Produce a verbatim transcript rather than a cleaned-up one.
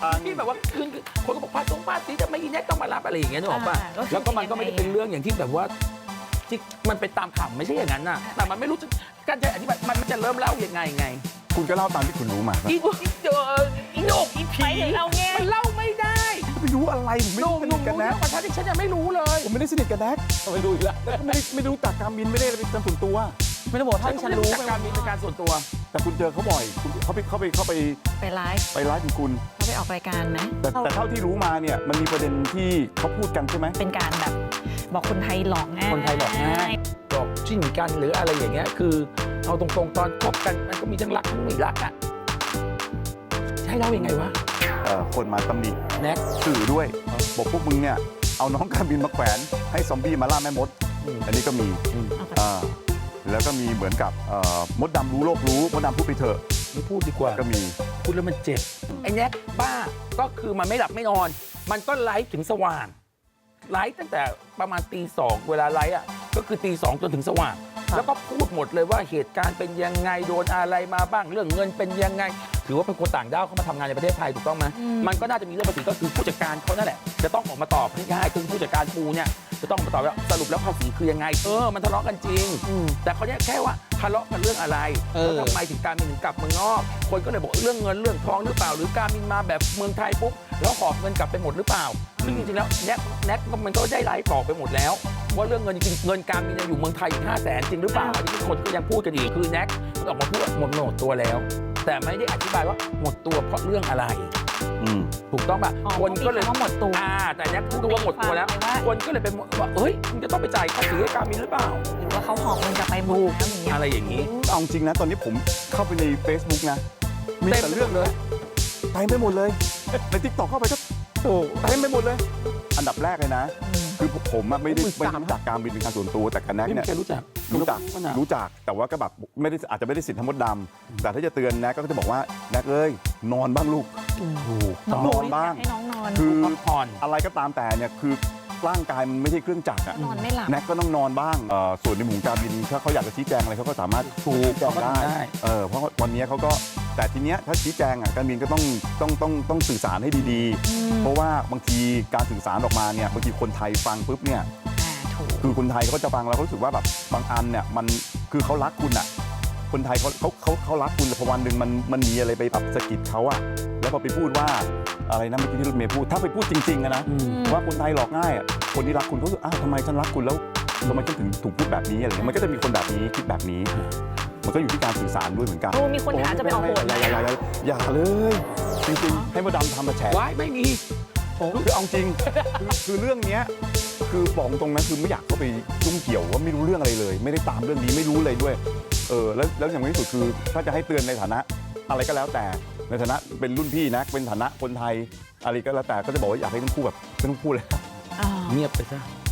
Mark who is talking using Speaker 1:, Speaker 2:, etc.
Speaker 1: ที่แบบว่าคืนคนก็บอกพาสงพาสีจะไม่ยินแน่ต้องมารับอะไรอย่างเงี้ยนึกออกป่ะแล้วก็มันก็ไม่ได้เป็นเรื่องอย่างที่แบบว่าที่มันเป็นตามข่าวไม่ใช่อย่างนั้นน่ะแต่มันไม่รู้จะการจะอธิบายมันจะเริ่มเล่ายังไงไง
Speaker 2: คุณก็เล่าตามที่คุณรู้มา
Speaker 1: อีอีเจออีโนกอีผีมันเล่าไม่ได้
Speaker 2: ไม่รู้อะไรผมไม่ได้สนิทกันนะ
Speaker 1: ประชาชนฉันยังไม่รู้เลย
Speaker 2: ผมไม่ได้สนิทกันแน็ก
Speaker 1: ไม่รู้อีกแล้ว
Speaker 2: แล้วก็ไม่ไม่รู้จักการบินไม่ได้เป็นการส่วนตัว
Speaker 1: ไม่ได้บอกถ้าฉันรู้การบินเป็นการส่วนตัว
Speaker 2: แต่คุณเจอเขาบ่อยเขาไปเขาไปเขาไป
Speaker 3: ไปไลฟ์
Speaker 2: ไปไลฟ์ของคุณ
Speaker 3: เขาไปออกรายการไหม
Speaker 2: แต่แต่เท่าที่รู้มาเนี่ยมันมีประเด็นที่เขาพูดกันใช่ไหม
Speaker 3: เป็นการแบบบอกคนไทยหลอกง่าย
Speaker 1: คนไทยหลอกง่ายหลอกจิ้นกันหรืออะไรอย่างเงี้ยคือเอาตรงๆตอนคบกันมันก็มีทั้งรักทั้งไม่รักอ่ะให้เล่ายังไงวะ
Speaker 2: เอ่อคนมาตำหนิ
Speaker 1: แน็ก
Speaker 2: สื่อด้วยบอกพวกมึงเนี่ยเอาน้องการบินมาแขวนให้ซอมบี้มาล่าแม่มดอันนี้ก็มีอ่าแล้วก็มีเหมือนกับมดดำรู้โลกรู้มดดำพูดไปเถอะ
Speaker 1: ไม่พูดดีกว่า
Speaker 2: ก็มี
Speaker 1: พูดแล้วมันเจ็บไอ้แน็กบ้าก็คือมันไม่หลับไม่นอนมันก็ไลฟ์ถึงสว่างไลฟ์ตั้งแต่ประมาณตีสองเวลาไลฟ์อ่ะก็คือตีสองจนถึงสว่างแล้วก็พูดหมดเลยว่าเหตุการณ์เป็นยังไงโดนอะไรมาบ้างเรื่องเงินเป็นยังไงถือว่าเป็นคนต่างด้าวเข้ามาทำงานในประเทศไทยถูกต้องไหมมันก็น่าจะมีเรื่องภาษีก็คือผู้จัดการเขานั่นแหละจะต้องออกมาตอบให้ได้คือผู้จัดการปูเนี่ยจะต้องมาตอบว่าสรุปแล้วภาษีคือยังไงเออมันทะเลาะกันจริงแต่เขาเนี่ยแค่ว่าทะเลาะกันเรื่องอะไรแล้วทำไมถึงการมินถึงกลับเมืองนอกคนก็เลยบอกเรื่องเงินเรื่องทองหรือเปล่าหรือการมินมาแบบเมืองไทยปุ๊บแล้วหอบเงินกลับไปหมดหรือเปล่าซึ่งจริงๆแล้วแน็กแน็กมันก็ได้ไลฟ์บอกไปหมดแล้วว่าเรื่องเงินจริงเงินการมินยังอยู่เมืองไทยอีกห้าแสนจริงหรือเปล่าอันนี้คนก็ยังพูดกันอีกคือแน็กออกมาพูดว่าหมดหมดตัวแล้วแต่ไม่ได้อธิบายว่าหมดตัวเพราะเรื่องอะไรถูกต้องป่ะคนก็เลย
Speaker 3: ว่าหมดตัว
Speaker 1: อ่าแต่เนี้ยรู้ว่าหมดตัวแล้วคนก็เลยเป็นว่าเฮ้ยมึงจะต้องไปจ่ายภาษีให้การมินหรือเปล่า
Speaker 3: หรือว่าเขาหอบเงินกลับไปบู
Speaker 1: อะไรอย่างนี้
Speaker 2: เอาจริงนะตอนนี้ผมเข้าไปใน Facebook นะมีแต่เรื่องเลยเต็มไปหมดเลยใน ทิกตอก เข้าไปก็โอ้เต็มไปหมดเลยอันดับแรกเลยนะคือผมไม่ได้ไม่รู้จักการบินเป็นการส่วนตัวแต่กันแน็กเนี่ย
Speaker 1: รู้จัก
Speaker 2: รู้จักรู้จักแต่ว่าก็แบบไม่ได้อาจจะไม่ได้สิทธิ์ทั้งหมดดำแต่ถ้าจะเตือนแน็กก็จะบอกว่าแน็กเอ้ยนอนบ้างลูก
Speaker 3: ถูก
Speaker 2: นอนบ้าง
Speaker 3: ให้น้องนอน
Speaker 2: คืออะไรก็ตามแต่เนี่ยคือร่างกายมันไม่ใช่เครื่องจักรอะ
Speaker 3: นอนไม่หลับ
Speaker 2: แน็กก็ต้องนอนบ้างส่วนในหมู่การบินถ้าเขาอยากจะชี้แจงอะไรเขาก็สามารถชี้แจงได้เออเพราะวันนี้เขาก็แต่ทีเนี้ยถ้าชี้แจงอ่ะการบินก็ต้องต้องต้องต้องสื่อสารให้ดีๆเพราะว่าบางทีการสื่อสารออกมาเนี่ยบางทีคนไทยฟังปุ๊บเนี่ยคือคนไทยเขาจะฟังแล้วเขารู้สึกว่าแบบบางอันเนี่ยมันคือเขารักคุณอ่ะคนไทยเขาเขาเขาเขารักคุณแต่พอวันหนึ่งมันมันมีอะไรไปแบบสะกิดเขาอ่ะแล้วพอไปพูดว่าอะไรนะเมื่อกี้ที่รถเมย์พูดถ้าไปพูดจริงๆนะว่าคนไทยหลอกง่ายอ่ะคนที่รักคุณเขาสึกอ้าวทำไมฉันรักคุณแล้วทำไมฉันถึงถูกพูดแบบนี้อะไรเงี้ยมันก็จะมีคนแบบนี้คิดแบบนี้มันก็อยู่ที่การสื่อสารด้วยเหมือนกัน
Speaker 3: โอ้มีคนหาจะไปเอาโหด
Speaker 2: อย่าอย่าอย่าเลยจริงๆให้มาดำทำมาแฉ
Speaker 1: ว้ายไม่มี
Speaker 2: คือเอาจริงคือเรื่องนี้คือบอกตรงนั้นคือไม่อยากเข้าไปยุ่งเกี่ยวว่าไม่รู้เรื่องอะไรเลยไม่ได้ตามเรื่องนี้ไม่รู้เลยด้วยเออแล้วแล้วอย่างที่สุดคือถ้าจะให้เตือนในฐานะอะไรก็แล้วแต่ในฐานะเป็นรุ่นพี่นะเป็นฐานะคนไทยอะไรก็แล้วแต่ก็จะบอกว่าอยากให้ทั้งคู่แบบไม่ต้องพูดเลย
Speaker 1: เงียบไปซะ